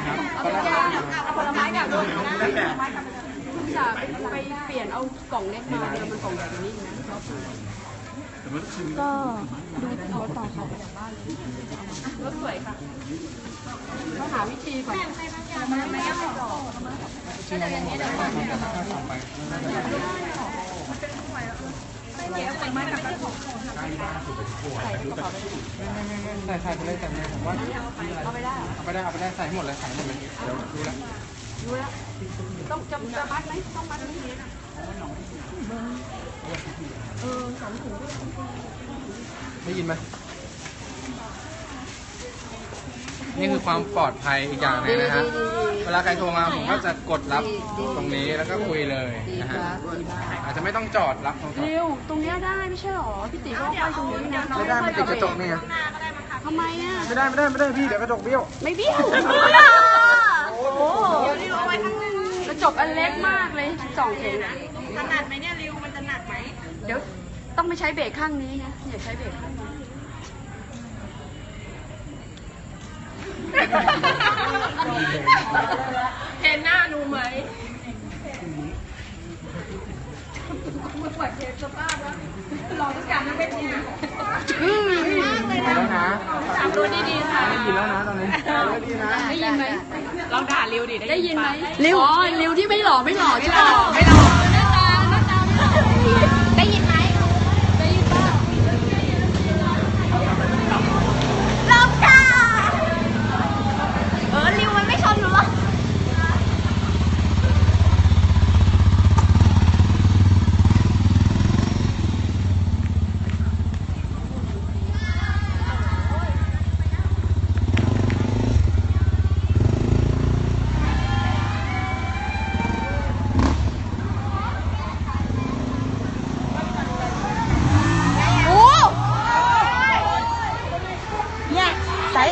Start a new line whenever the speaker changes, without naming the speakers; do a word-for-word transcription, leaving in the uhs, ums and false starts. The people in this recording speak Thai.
เอาไปย่างเอาผลไม้กับด้วยนะจะไปเปลี่ยนเอากล่องเล็กมาเดี๋ยวมันกล่องแบบนี้นะก็ดูรถต่อเขาจากบ้านรถสวยค่ะต้องหาวิธีก่อนไม่ไม่ยังไม่ต่อก็จะอย่างนี้เดี๋ยวก่อนเนี่ยเดี๋ยวไปไม่กับใส่กระเป๋าไป
ใส่ใส่ไปเลยแต่เนี่ยผมว่า
เอาไปได้
เอาไปได้เอาไปได้ใส่หมดเลยใส่หมดเลยเดี๋ยวดูแล
ดูแล้วต้องจะจะมัดไหมต้องมัดไหมเออสองถุง
ได้ยินไหมนี่คือความปลอดภัยอีกอย่างนึงนะฮะเวลาใครโทรมาผมก็จะกดรับตรงนี้แล้วก็คุยเลยนะฮะอาจจะไม่ต้องจอดรับตรง
เร็วตรงนี้ได้ไม่ใช่หรอพี่ติ๋ก็ไปตรงนี้นะ
ไม่ได้มันติดกระจกนี่ไง
ทำไมอ่ะ
ไม่ได้ไม่ได้ไม่ได้พี่เดี๋ยวกระจกเบี้ยว
ไม่เบี้ยวโอ้โหเดี๋ยวริวเอาไว้ข้างหน้ากระจกอันเล็กมากเลยสองเข็มถนัดไหมเนี่ยริวมันจะหนักไหมเดี๋ยวต้องไปใช้เบรกข้างนี้นะอย่าใช้เบรกข้างนี้เห็นหน้าหนูไหมมาปวดเจ็บสภาพแล้วรอทุกการนั่งไม่ดีมากเลยนะ
แล้วนะ
ตามดูดีๆค่ะ
ได้ยินแล้วนะตอนนี้ได้ยินนะ
ได้ยินไหม
ลองด่าริวดิ
ได้ยินไหมริวอ๋อริวที่ไม่หล่อไม่หล่อใช่ไหมไม่หล่อ